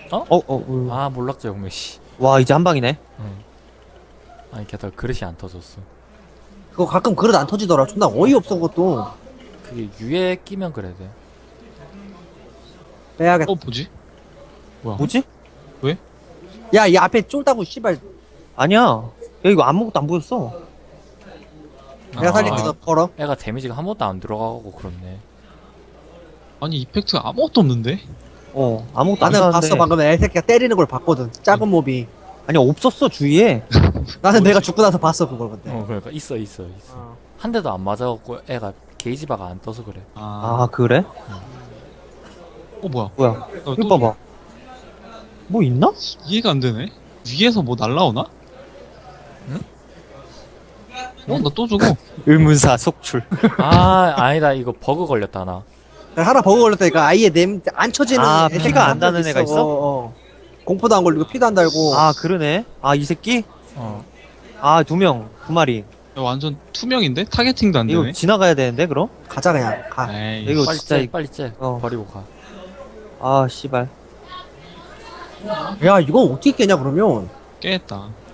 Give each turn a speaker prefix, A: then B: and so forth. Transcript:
A: 아 몰락자 용매 씨.
B: 와 이제 한 방이네.
A: 아니 게다가 그릇이 안 터졌어.
C: 그거 가끔 그릇 안 터지더라. 존나 어이없어 그것도.
A: 그게 유에 끼면 그래 돼.
C: 빼야겠다.
D: 뭐지?
B: 뭐지?
C: 야, 이 앞에 쫄다고 씨발.
B: 아니야. 야 이거 아무것도 안 보였어.
C: 내가 살릴게. 너 걸어.
A: 애가 데미지가 한 번도 안 들어가고 그렇네.
D: 아니 이펙트가 아무것도 없는데?
B: 아무것도 안
C: 나는
B: 나왔는데.
C: 봤어. 방금 애새끼가 때리는 걸 봤거든. 작은 몹이.
B: 아니 없었어 주위에.
C: 나는 내가 죽고 나서 봤어 그걸 근데.
A: 그러니까 있어. 한 대도 안 맞아갖고 애가 게이지 바가 안 떠서 그래.
B: 아 그래?
D: 뭐야?
B: 뭐야?
D: 또
B: 이거 봐봐. 뭐 있나?
D: 이해가 안 되네. 위에서 뭐 날라오나?
A: 응?
D: 나 또 죽어.
B: 의문사 속출.
A: 아 아니다 이거 버그 걸렸다 나.
C: 하나 버그 걸렸다니까. 아예 안 쳐지는. 애새끼
B: 피가 안
C: 한
B: 나는
C: 명
B: 애가 있어?
C: 공포도 안 걸리고 피도 안 달고.
B: 아 그러네. 아 이 새끼?
A: 어.
B: 아 2명 2마리.
D: 야, 완전 투명인데? 타겟팅도 안
B: 이거
D: 되네.
B: 지나가야 되는데 그럼?
C: 가자 그냥. 가.
D: 에이.
B: 이거
A: 빨리
B: 진짜
A: 째 빨리 째. 버리고 가.
B: 아 씨발.
C: 야 이거 어떻게 깨냐 그러면.
D: 깨했다.